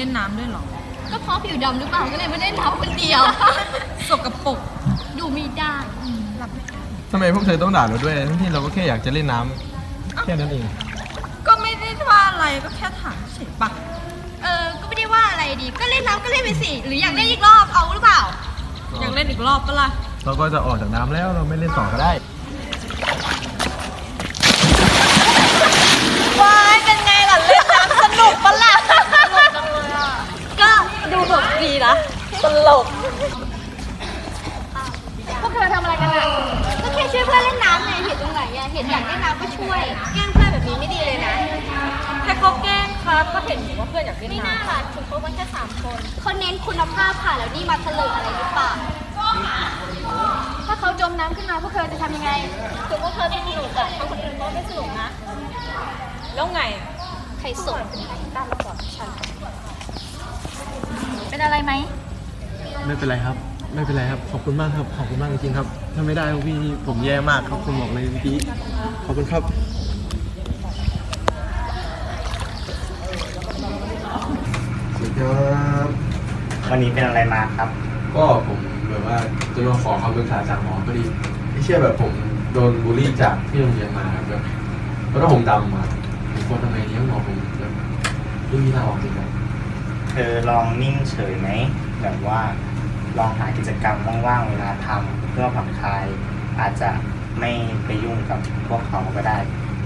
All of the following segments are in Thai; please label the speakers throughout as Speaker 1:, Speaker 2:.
Speaker 1: ล่นน้ำด้วยเหรอ
Speaker 2: ก็เพราะผิวดำหรือเปล่าก็เลยไม่ได้น้ำคนเดียว
Speaker 1: สกปรก
Speaker 2: ดูไม่ได้รับไม่ได้
Speaker 3: ทำไมพวกเธอต้องด่าเราด้วยทั้งที่เราก็แค่อยากจะเล่นน้ำแค่นั้นเอง
Speaker 1: ก็ไม่ได้ว่าอะไรก็แค่ถามเฉยปะ
Speaker 2: ก็ไม่ได้ว่าอะไรดีก็เล่นน้ำก็เล่นไปสิหรืออยากเล่นอีกรอบเอาหรือเปล่า
Speaker 1: อยากเล่นอีกรอบปะล่ะ
Speaker 3: เราก็จะออกจากน้ำแล้วเราไม่เล่นต่อก็ได้
Speaker 1: ว้ายเป็นไงล่ะเล่นน้ำสนุกปะล่ะสนุกจังเลยอ่ะ
Speaker 2: ก็ดูแบบดีนะ
Speaker 1: ตลก
Speaker 2: พวกเธอทำอะไรกันอ่ะก็แค่ช่วยเพื่อนเล่นน้ำไงเห็นตรงไหนอ่ะเห็นอยากเล่นน้ำก็ช่วยแกล้งเพื่อนแบบนี้ไม่ดีเลยนะ
Speaker 1: แค่เขาแกล้งครับก็เห็นอยู่ว่าเพื่อนอยากเล่นน้ำ
Speaker 2: ไม่น่าล่ะถึงเขามันแค่3 คนเขาเน้นคุณภาพค่ะแล้วนี่มาเถลิงอะไรหรือเปล่าถ้าเขาจมน้ำขึ้นมาพวกเธอจะทำยังไงถึงพวกเธอจะสนุกแต่คนอื่นก็ไม่สนุกนะ
Speaker 1: แล้วไง
Speaker 2: ใครส่งตามมาก่อนฉันเป็นอะไรไหม
Speaker 3: ไม่เป็นไรครับไม่เป็นไรครับขอบคุณมากครับขอบคุณมากจริงๆครับถ้าไม่ได้พี่ผมแย่มากครับคุณบอกเลยพี่ขอบคุณครับสวัสดีครับ
Speaker 4: วันนี้เป็นอะไรมาครับ
Speaker 3: ก็ผมแบบว่าจะมาขอคำปรึกษาจากหมอพอดีไม่เชื่อแบบผมโดนบูลลี่จากที่โรงเรียนมาครับแบบเพราะว่าผมดำมาผมควรทำไงดีหมอผมแบบไม่มีทางออกจริงครับ
Speaker 4: เธอลองนิ่งเฉยไหมแบบว่าลองหากิจกรรมว่างๆเวลาทำเพื่อผ่อนคลายอาจจะไม่ไปยุ่งกับพวกเขาก็ได้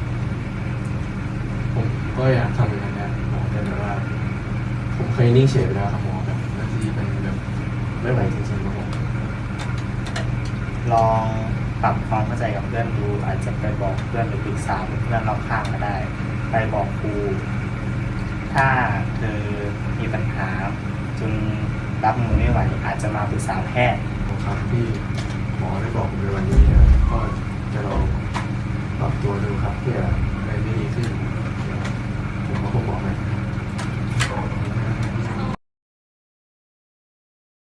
Speaker 3: ผมก็อยากทำอย่างนั้นนะหมอแต่แบบว่าผมเคยนิ่งเฉยไปแล้วครับหมอแบบบางทีมันแบบไม่ไหวจริงๆครับผม
Speaker 4: ลองปรับความเข้าใจกับเพื่อนดูอาจจะไปบอกเพื่อนหรือปรึกษาเพื่อนรอบข้างก็ได้ไปบอกครูถ้าเธอมีปัญหาจนรับมือไม่ไหวอาจจะมาปรึกษาแพทย์
Speaker 3: ครับที่หมอได้บอกผมในวันนี้นะก็จะลองปรับตัวดูครับเพื่ออะไรไม่ดีขึ้นผมก็คงบอกนะ